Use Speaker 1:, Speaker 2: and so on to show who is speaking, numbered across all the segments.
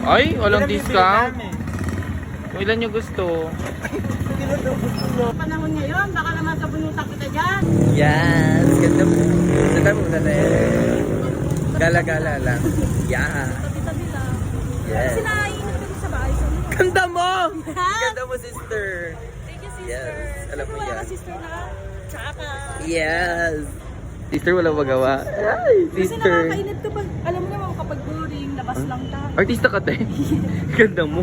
Speaker 1: Ay, walang discount. Kung ilan nyo gusto.
Speaker 2: Panahon ngayon, baka naman sa bunutak kita dyan.
Speaker 1: Yes, ganda mo. Ganda mo na Gala-gala lang. Yeah.
Speaker 2: Tabi-tabi lang.
Speaker 1: Yes.
Speaker 2: Sila iinit kami sa bahay. So,
Speaker 1: Ganda mo! Ganda mo, sister.
Speaker 2: thank you, sister.
Speaker 1: Yes, alam mo
Speaker 2: Wala
Speaker 1: yan.
Speaker 2: ka, sister na. Tsaka.
Speaker 1: Yes. Sister, wala magawa. Ay,
Speaker 2: Kasi
Speaker 1: sister.
Speaker 2: nakakainit kapag, alam mo naman kapag boring, labas lang tayo.
Speaker 1: Artista ka, te. Ganda mo.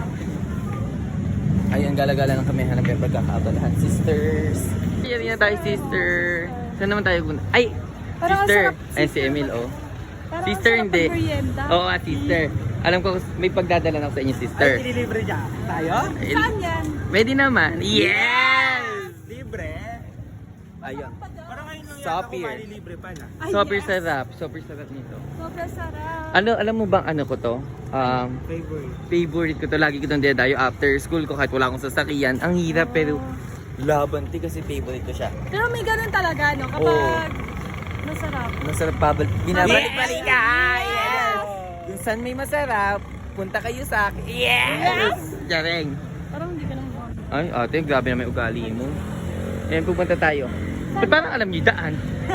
Speaker 1: Ayun, gala-gala lang kami. Hanap yung pagkakaabalahan. Sisters. Yan tayo, sister. Saan naman tayo? Ay,
Speaker 2: Parang ang
Speaker 1: sister.
Speaker 2: sarap,
Speaker 1: Ay, si
Speaker 2: sister.
Speaker 1: Emil, oh.
Speaker 2: Parang
Speaker 1: Sister,
Speaker 2: ang sarap
Speaker 1: hindi.
Speaker 2: pag-merienda.
Speaker 1: Oo, sister. Alam ko, may pagdadala na ako sa inyo, sister.
Speaker 3: Ay, ililibre niya. Tayo?
Speaker 2: Saan yan?
Speaker 1: Pwede naman. Yes!
Speaker 3: Libre?
Speaker 1: Ayun.
Speaker 3: Parang ngayon lang yata
Speaker 1: Sapir.
Speaker 3: kung malilibre pa na.
Speaker 2: Ay,
Speaker 1: Super
Speaker 2: yes.
Speaker 1: sarap. Super sarap nito.
Speaker 2: Sobrang sarap.
Speaker 1: Alam mo bang ano ko to?
Speaker 3: Favorite.
Speaker 1: Favorite ko to. Lagi ko itong dinadayo after school ko kahit wala akong sasakyan. Ang hirap pero laban ti kasi favorite ko siya.
Speaker 2: Pero may ganun talaga, no? Kapag masarap.
Speaker 1: Masarap binabalik-balik ka! Yes! Kung saan may masarap, punta kayo sa akin. Yes! Jareng.
Speaker 2: Parang hindi ka naman.
Speaker 1: Ay, ate, grabe na may ugali mo. Ayan, pupunta tayo. Eh, parang alam niyo daan.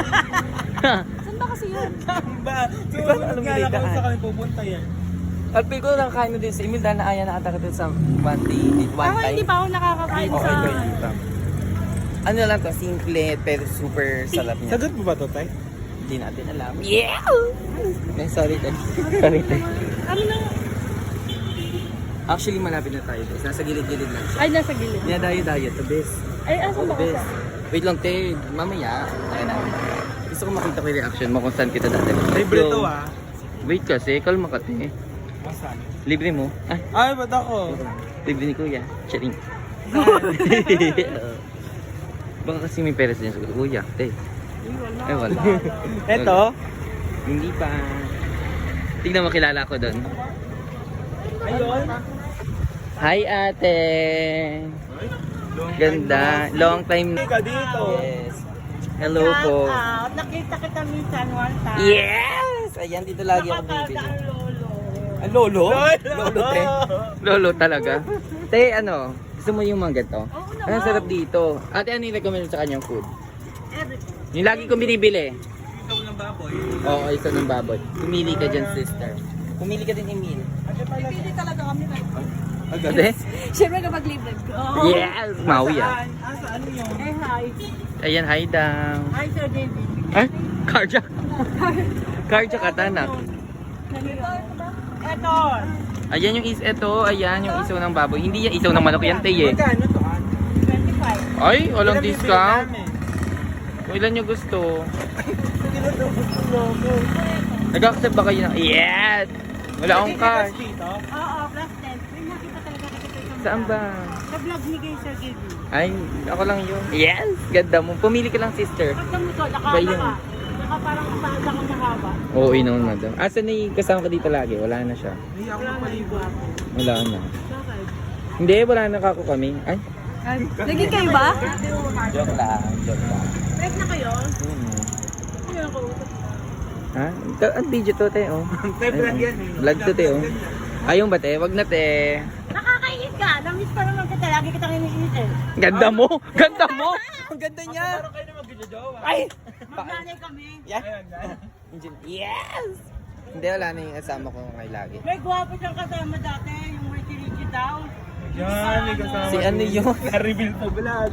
Speaker 2: Saan ba kasi yun?
Speaker 3: Ba? So,
Speaker 1: Parang alam
Speaker 3: nga
Speaker 1: nila
Speaker 3: lang kung
Speaker 1: daan.
Speaker 3: saan kami pupunta yan.
Speaker 1: At feel ko lang kain mo din sa Emil dahil naaya na ata ka dun sa one
Speaker 2: Ako
Speaker 1: time.
Speaker 2: hindi pa ako nakakakain
Speaker 1: Okay,
Speaker 2: sa...
Speaker 1: pwede pa. Ano lang to, simple pero super sarap niya.
Speaker 3: Sagot mo ba to, Tay?
Speaker 1: Hindi natin alam. Yeah! Ay, sorry, Tay. Sorry, Tay.
Speaker 2: Ano na?
Speaker 1: Actually, malapit na tayo. Guys. Nasa gilid-gilid lang siya.
Speaker 2: Ay, nasa gilid.
Speaker 1: Dinadayo-dayo to, bes.
Speaker 2: Ay, asan ba
Speaker 1: Bes.
Speaker 2: kasi?
Speaker 1: Wait lang, Tay. Mamaya. Ayan na. Gusto ko makita ko yung reaction mo kung saan kita dati.
Speaker 3: Libre
Speaker 1: Yo.
Speaker 3: to ah.
Speaker 1: Wait kasi, kalma ka, Tay.
Speaker 3: Asan?
Speaker 1: Libre mo? Ay,
Speaker 3: Ay, ba't ako?
Speaker 1: libre ni Kuya. Charing. Baka kasi may peres din sa Kuya. Tay. Ay, wala.
Speaker 3: Eto?
Speaker 1: Hindi pa. Tignan mo, kilala ko doon.
Speaker 3: Ayun.
Speaker 1: Hi, ate. Ganda. Long time.
Speaker 3: Ka dito.
Speaker 1: Yes. Hello po.
Speaker 2: Nakita kita minsan one time.
Speaker 1: Yes! Ayan, dito lagi ako bibili.
Speaker 2: Nakakada ang lolo.
Speaker 1: Ang lolo?
Speaker 3: Lolo.
Speaker 1: Lolo, te. Lolo talaga. Te, ano? Gusto mo yung mga ganito?
Speaker 2: Oo
Speaker 1: Ang
Speaker 2: naman.
Speaker 1: sarap dito. Ate, ano yung recommend mo sa kanyang food?
Speaker 2: Everything.
Speaker 1: Yung lagi kong binibili.
Speaker 3: Ikaw ng baboy.
Speaker 1: Oo, isa ng baboy. Pumili ka dyan, sister. Pumili ka din, Emil.
Speaker 2: Pipili talaga kami.
Speaker 1: Agad eh?
Speaker 2: Siyempre kapag libre ko.
Speaker 1: Yes! Maui ah.
Speaker 3: Saan yun?
Speaker 2: Eh, hi.
Speaker 1: Ayan, hi down.
Speaker 2: Hi, Sir David.
Speaker 1: Ay, cardiac. Cardiac atanak.
Speaker 2: Eto.
Speaker 1: Ayan yung ayan yung isaw ng baboy. Hindi yan isaw ng manok yan, te eh.
Speaker 3: Magkano to?
Speaker 2: 25.
Speaker 1: Ay, walang
Speaker 3: Ilan bibili
Speaker 1: discount.
Speaker 3: namin?
Speaker 1: Kung ilan nyo gusto.
Speaker 3: Tinutubos ko logo.
Speaker 1: Nag-accept ba kayo ng... Yes! Wala akong cash.
Speaker 3: Dito?
Speaker 2: Oo, plus 10. May nakita talaga kita sa isang
Speaker 1: Saan ba?
Speaker 2: Sa vlog ni kay Sir David.
Speaker 1: Ay, ako lang yun. Yes! Ganda mo. Pumili ka lang, sister.
Speaker 2: Pagka mo to,
Speaker 1: Ba yun?
Speaker 2: nakahaba. Naka parang paanda ko mahaba.
Speaker 1: Oo, naman, madam. Asan na yung kasama ka dito lagi? Wala na siya.
Speaker 3: Hindi ako mapaligo.
Speaker 1: Wala na.
Speaker 2: Bakit?
Speaker 1: Hindi, wala na kako kami. Ay,
Speaker 2: Naging kayo ba?
Speaker 1: joke lang. Joke lang.
Speaker 2: Break na kayo?
Speaker 1: Hmm.
Speaker 2: Ano ako?
Speaker 1: Ha? Ang video to, te, oh.
Speaker 3: February yan eh.
Speaker 1: Vlog to, te, oh. Ayun ba, te? Wag na, te.
Speaker 2: Nakakainit ka. Namiss pa naman kita. Lagi kitang iniinit eh.
Speaker 1: Ganda mo! Ganda mo! Ang ganda niya!
Speaker 3: Parang kayo na mag-jowa.
Speaker 1: Ay!
Speaker 2: Maglalay kami.
Speaker 1: Yeah.
Speaker 3: Ayan.
Speaker 1: Yes! Hindi, wala na yung kasama ko kay lagi.
Speaker 2: May gwapo siyang kasama dati. Yung Ricky Ricky daw.
Speaker 3: Yan, may kasama.
Speaker 1: Si ano yun?
Speaker 3: Na-reveal pa vlog.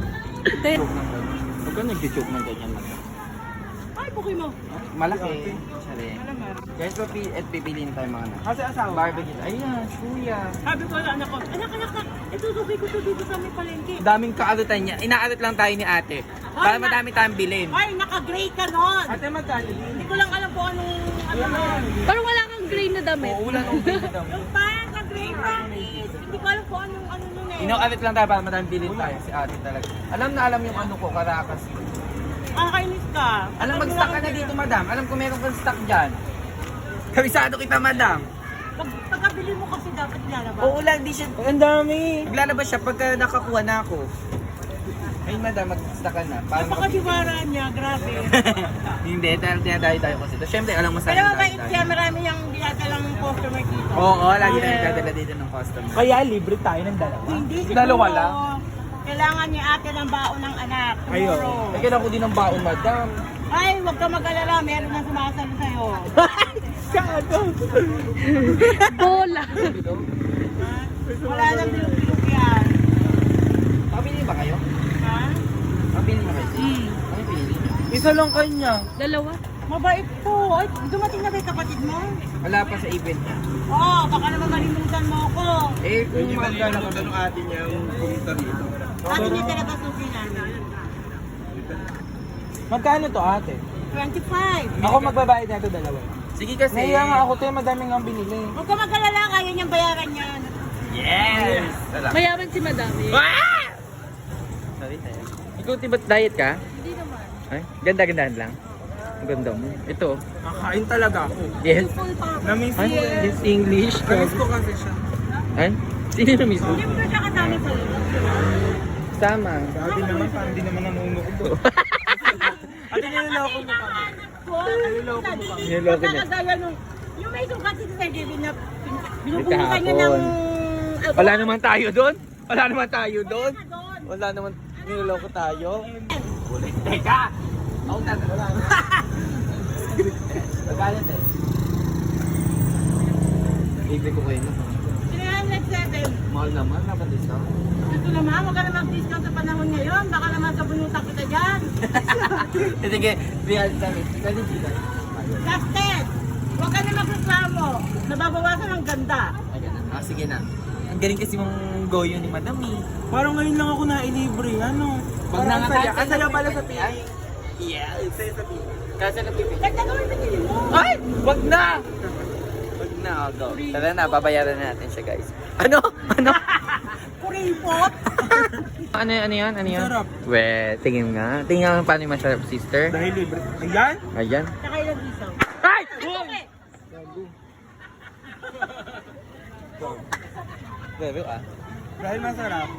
Speaker 1: Huwag ka nag-joke ng ganyan.
Speaker 2: Ay, bukoy mo.
Speaker 1: Malaki. Sari. Guys, pipiliin tayo mga anak.
Speaker 3: Kasi asawa.
Speaker 1: Barbecue. Ayan, kuya.
Speaker 2: Sabi ko sa anak ko, anak, itutubay ko to dito sa may palengke.
Speaker 1: Daming kaarutan niya. Inaarit lang tayo ni ate. Para madami tayong bilhin.
Speaker 2: Ay, naka-gray ka nun.
Speaker 3: Ate, magkano yun?
Speaker 2: Hindi ko lang alam kung anong, ano
Speaker 3: Wala.
Speaker 2: Parang wala kang gray na damit.
Speaker 1: Oo, wala nang bilhin daw.
Speaker 2: Yung parang ka-gray promise. Hindi ko alam kung anong ano nun eh.
Speaker 1: Inaarit lang tayo para madaming bilhin tayo. Si ate talaga. Alam na alam yung ano ko, karakas.
Speaker 2: Kainis ka.
Speaker 1: Alam, mag-stock ka na dito, madam. Alam ko meron kang stock dyan. Kabisado kita, madam.
Speaker 2: Pagkabili mo kasi dapat lalabas.
Speaker 1: Oo lang, di siya.
Speaker 3: Ang dami.
Speaker 1: Maglalabas siya pagka nakakuha na ako. Ay, madam, mag-stock ka na. Para
Speaker 2: Napakadiwara niya, grabe.
Speaker 1: Hindi, dahil dinadayo tayo kasi. Siyempre, alam mo sa
Speaker 2: Pero mabait siya, marami niyang dinadalang customer dito.
Speaker 1: Oo, lagi na nagdadala dito ng customer.
Speaker 3: Kaya libre tayo ng dalawa.
Speaker 2: Hindi siguro.
Speaker 1: Dalawa lang?
Speaker 2: Kailangan ni ate ng baon ng anak.
Speaker 3: Ayun.
Speaker 2: Siguro.
Speaker 1: Eh, kailangan ko din ng baon, madam.
Speaker 2: Ay, huwag ka mag-alala. Meron na sumasalo sa'yo.
Speaker 3: Kado.
Speaker 4: Bola.
Speaker 2: Wala nang bilog-bilog yan.
Speaker 1: Pabili ba kayo?
Speaker 2: Ha?
Speaker 1: Pabili ba kayo? Ano pinili?
Speaker 3: Isa lang kanya.
Speaker 4: Dalawa.
Speaker 2: Mabait po. Ay, dumating na ba yung kapatid mo?
Speaker 1: Wala pa sa event niya.
Speaker 2: Oo, baka naman malimutan mo ako.
Speaker 1: Eh, kung magkano ka
Speaker 3: ng ate niya yung pumunta dito.
Speaker 2: Ate niya talaga suki namin.
Speaker 3: Magkano to ate?
Speaker 2: 25.
Speaker 3: Ako magbabayad na ito dalawa.
Speaker 1: Sige kasi.
Speaker 3: Naiya nga ako tayo, madaming ang binili.
Speaker 2: Huwag ka mag-alala. Kaya niyang bayaran yan.
Speaker 1: Yes! Wala.
Speaker 4: Mayaman si Madam eh.
Speaker 1: Sorry, tayo. Ikaw, tiba't diet ka?
Speaker 4: Hindi naman.
Speaker 1: Ay, ganda-gandahan lang. Ang ganda mo. Ito.
Speaker 3: Kakain talaga ako.
Speaker 1: Yes.
Speaker 2: Full pa.
Speaker 3: Namiss
Speaker 1: Ay,
Speaker 3: ko.
Speaker 1: yes, English.
Speaker 3: Namiss ko kasi siya.
Speaker 1: Ay, sino na mismo?
Speaker 2: Hindi mo na siya kasama sa iyo.
Speaker 1: Sama.
Speaker 3: Sabi naman, parang di naman nanunuko. Ate, niloloko mo kami.
Speaker 2: Niloloko mo
Speaker 1: kami. Niloloko niya.
Speaker 2: Pagkakagaya nung, yung may sukat si Sir David na binubuhusan niya ng...
Speaker 1: Wala naman tayo doon. Wala naman tayo doon.
Speaker 2: Wala doon.
Speaker 1: Wala naman niloloko tayo. Teka! Ako na. Wala na. Magalit eh. Libre ko kayo na.
Speaker 2: 307.
Speaker 1: Mahal naman. Dapat discount.
Speaker 2: Ito naman, huwag ka na mag-discount sa panahon ngayon. Baka naman sabunutan kita dyan.
Speaker 1: Sige, real kami. Pwede dito.
Speaker 2: Gasted! Huwag ka na magreklamo. Nababawasan ang ganda.
Speaker 1: Ay, ganun. Ah, sige na. Ang galing kasi mong goyo ni Madam eh.
Speaker 3: Parang ngayon lang ako nailibre. Ano?
Speaker 1: Wag na nga tayo.
Speaker 3: Ang saya pala sa PI.
Speaker 1: Yes.
Speaker 3: Saya sa PI.
Speaker 1: Kasi napipili.
Speaker 2: Ganda gawin na mo.
Speaker 1: Ay! Wag na! Wag na, go. Tara na, babayaran na natin siya, guys. Ano? Ano?
Speaker 2: Kuripot.
Speaker 1: Ano yan? Ano yan?
Speaker 3: Sarap.
Speaker 1: We, tingin nga. Tingin nga paano yung masarap, sister.
Speaker 3: Dahil libre. Ayan?
Speaker 1: Ayan.
Speaker 2: Saka ilang isaw.
Speaker 1: Ay!
Speaker 2: Okay.
Speaker 1: Bebe ah.
Speaker 3: Dahil masarap.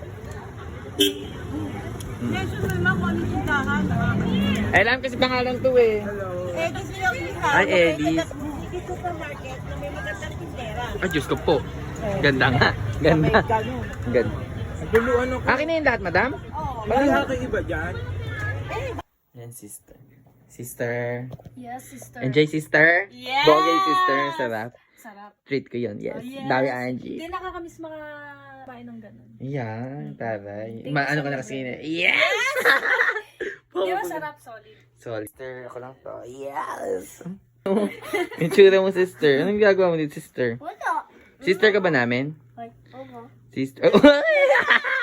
Speaker 2: Mention mo naman kung ano yung tindahan.
Speaker 1: Ay, alam kasi pangalan to eh.
Speaker 2: Eddie's Philippines.
Speaker 1: Ay, Eddie's.
Speaker 2: Hindi supermarket na may magandang tindera.
Speaker 1: Ay, Diyos ko po. Ganda nga. Ganda. Ganda.
Speaker 3: Naguluan ako.
Speaker 1: Akin na yung lahat, madam?
Speaker 2: Oo.
Speaker 3: May haki iba dyan.
Speaker 1: Yan, sister. Sister.
Speaker 4: Yes, sister.
Speaker 1: Enjoy, sister.
Speaker 2: Yes!
Speaker 1: Bogey, sister. Sarap.
Speaker 4: Sarap.
Speaker 1: Treat ko yun, yes.
Speaker 4: Oh, yes.
Speaker 1: Dami, Angie.
Speaker 4: Hindi nakakamiss makapain ng ganun.
Speaker 1: Yan, taray.
Speaker 4: Thank you
Speaker 1: Ano
Speaker 4: so
Speaker 1: ka na
Speaker 4: much.
Speaker 1: kasi Yes!
Speaker 4: Di ba sarap, solid?
Speaker 1: Sorry. Sister, ako lang to. Yes! Yung tsura mo, sister. Anong ginagawa mo dito, sister?
Speaker 2: Wala.
Speaker 1: Sister ka ba namin?
Speaker 2: Ay, oo.
Speaker 1: Sister.